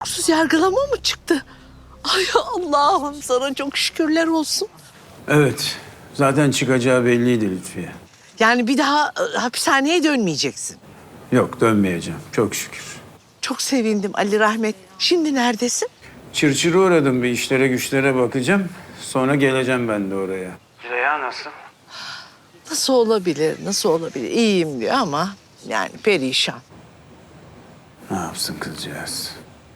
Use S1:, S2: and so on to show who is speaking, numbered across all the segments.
S1: Hukuksuz yargılama mı çıktı? Ay Allah'ım sana çok şükürler olsun.
S2: Evet. Zaten çıkacağı belliydi Lütfiye.
S1: Yani bir daha hapishaneye dönmeyeceksin.
S2: Yok, dönmeyeceğim. Çok şükür.
S1: Çok sevindim Ali Rahmet. Şimdi neredesin?
S2: Çırçırı uğradım, bir işlere güçlere bakacağım. Sonra geleceğim ben de oraya. Züleyha nasıl?
S1: Nasıl olabilir, nasıl olabilir? İyiyim diyor ama yani perişan.
S2: Ne yapsın kızcağız?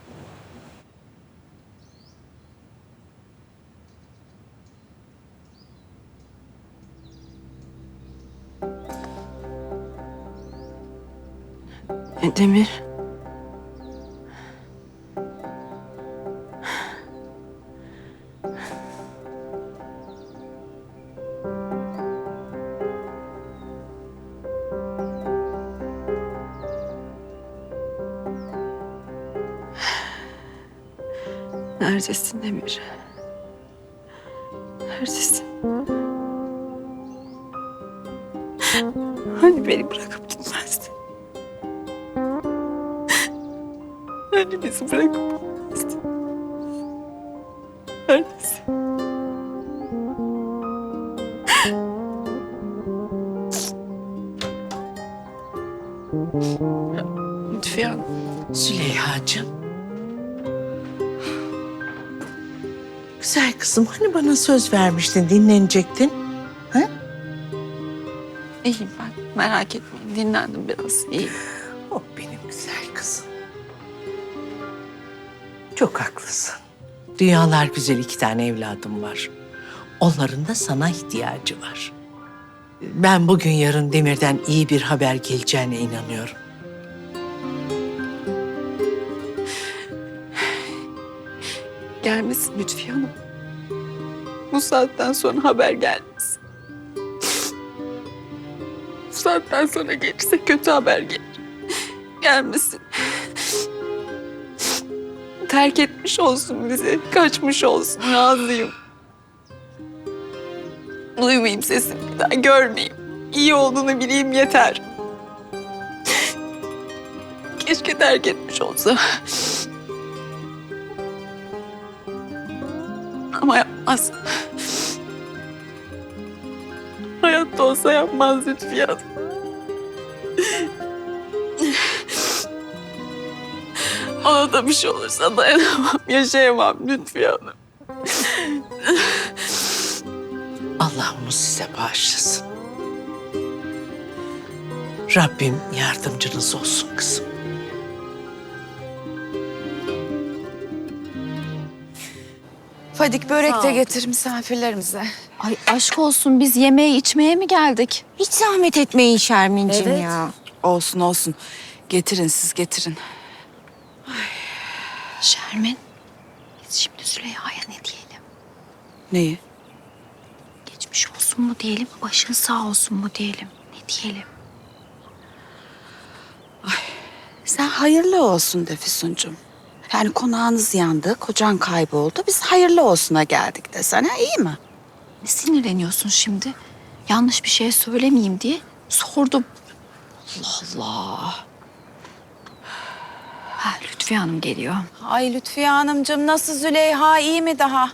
S3: Demir. Neredesin Demir? Neredesin? Hani beni bırakıp gitmezdin? Hani bizi bırakıp gitmezdin? Neredesin? Lütfiye Hanım.
S1: Züleyha'cığım. Güzel kızım hani bana söz vermiştin dinlenecektin. Ha?
S3: İyiyim ben. Merak etmeyin. Dinlendim biraz. İyiyim.
S1: Oh benim güzel kızım. Çok haklısın. Dünyalar güzel 2 tane evladım var. Onların da sana ihtiyacı var. Ben bugün yarın Demir'den iyi bir haber geleceğine inanıyorum.
S3: Gelmesin Lütfiye Hanım. Bu saatten sonra haber gelmesin. Bu saatten sonra gelirse kötü haber gelir. Gelmesin. Terk etmiş olsun bizi. Kaçmış olsun. Razıyım. Duymayayım sesini bir daha. Görmeyeyim. İyi olduğunu bileyim yeter. Keşke terk etmiş olsa. Ama yapmaz. Hayatta olsa yapmaz Lütfiye Hanım. Ona da bir şey olursa dayanamam, yaşayamam Lütfiye Hanım.
S1: Allah onu size bağışlasın. Rabbim yardımcınız olsun kızım.
S4: Fadik börek de getir misafirlerimize.
S5: Ay aşk olsun biz yemeğe içmeye mi geldik?
S4: Hiç zahmet etmeyin Şermin'cim
S5: Evet.
S4: ya.
S6: Olsun olsun. Getirin siz getirin.
S5: Şermin, biz şimdi Züleyha'ya ne diyelim?
S6: Neyi?
S5: Geçmiş olsun mu diyelim, başın sağ olsun mu diyelim? Ne diyelim?
S6: Sen hayırlı olsun de Füsuncuğum. Yani konağınız yandı, kocan kayboldu. Biz hayırlı olsuna geldik desene, iyi mi?
S5: Ne sinirleniyorsun şimdi? Yanlış bir şey söylemeyeyim diye sordum. Allah Allah. Ha, Lütfiye Hanım geliyor.
S4: Ay Lütfiye Hanımcığım nasıl Züleyha iyi mi daha?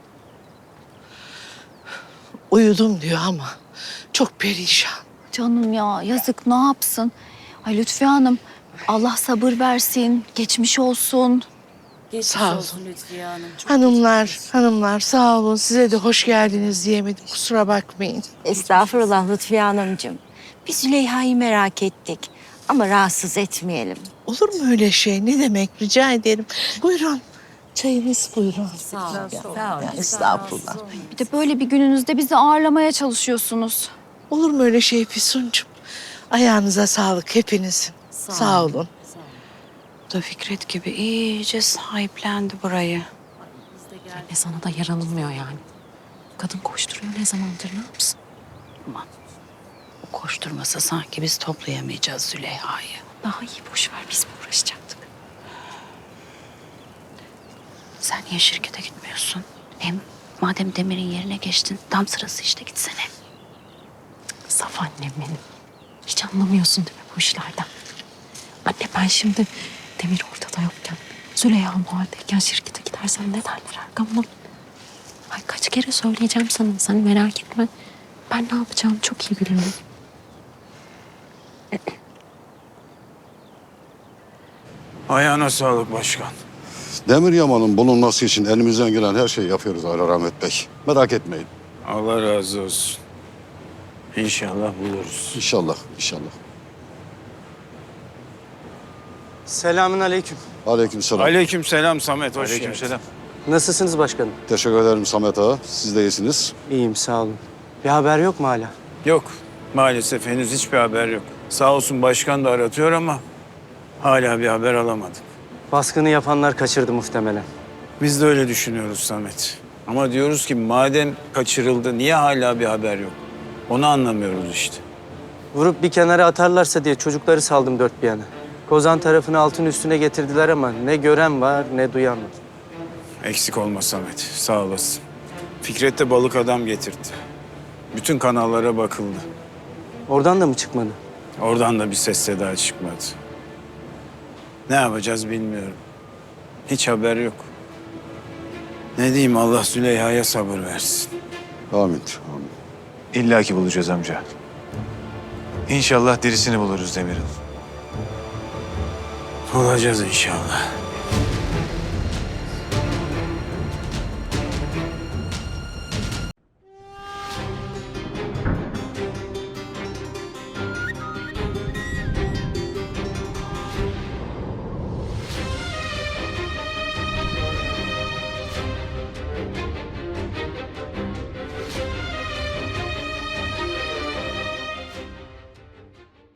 S1: Uyudum diyor ama çok perişan.
S5: Canım ya yazık ne yapsın? Ay Lütfiye Hanım Allah sabır versin, geçmiş olsun.
S1: Sağ olun. Hanımlar sağ olun. Size de hoş geldiniz diyemedim. Kusura bakmayın.
S7: Estağfurullah Lütfiye Hanımcığım. Biz Züleyha'yı merak ettik ama rahatsız etmeyelim.
S1: Olur mu öyle şey? Ne demek? Rica ederim. Buyurun. Çayınız buyurun.
S7: Sağ ol.
S1: Ya, estağfurullah.
S5: Bir de böyle bir gününüzde bizi ağırlamaya çalışıyorsunuz.
S1: Olur mu öyle şey Füsuncuğum? Ayağınıza sağlık hepinizin. Sağ olun.
S6: Bu da Fikret gibi iyice sahiplendi burayı.
S8: Anne sana da yaranılmıyor yani. Kadın koşturuyor ne zamandır ne yapsın?
S6: Aman. O koşturmasa sanki biz toplayamayacağız Züleyha'yı.
S8: Daha iyi boş ver biz mi uğraşacaktık?
S6: Sen niye şirkete gitmiyorsun? Hem madem Demir'in yerine geçtin, tam sırası işte gitsene.
S8: Saf annem benim. Hiç anlamıyorsun değil mi bu işlerden? Anne ben şimdi Demir ortada yokken Züleyha o haldeyken şirkete gidersen ne derler arkamdan? Ay kaç kere söyleyeceğim sana. Sen merak etme. Ben ne yapacağımı çok iyi biliyorum.
S2: Ayağına sağlık başkan.
S9: Demir Yaman'ın bulunması için elimizden gelen her şeyi yapıyoruz Ali Rahmet Bey. Merak etmeyin.
S2: Allah razı olsun. İnşallah buluruz.
S9: İnşallah, inşallah.
S10: Selamün aleyküm.
S9: Aleykümselam.
S2: Aleykümselam Samet, hoş geldin.
S10: Nasılsınız başkanım?
S9: Teşekkür ederim Samet Ağa. Siz de iyisiniz.
S10: İyiyim sağ olun. Bir haber yok mu hala?
S2: Yok, maalesef henüz hiçbir haber yok. Sağ olsun başkan da aratıyor ama hala bir haber alamadık.
S10: Baskını yapanlar kaçırdı muhtemelen.
S2: Biz de öyle düşünüyoruz Samet. Ama diyoruz ki madem kaçırıldı niye hala bir haber yok? Onu anlamıyoruz işte.
S10: Vurup bir kenara atarlarsa diye çocukları saldım dört bir yana. Kozan tarafını altın üstüne getirdiler ama ne gören var ne duyan var.
S2: Eksik olma Samet, sağ olasın. Fikret de balık adam getirdi. Bütün kanallara bakıldı.
S10: Oradan da mı çıkmadı?
S2: Oradan da bir ses seda çıkmadı. Ne yapacağız bilmiyorum. Hiç haber yok. Ne diyeyim, Allah Züleyha'ya sabır versin.
S9: Amin, amin.
S11: İlla ki bulacağız amca. İnşallah derisini buluruz Demir'in.
S2: Bulacağız inşallah.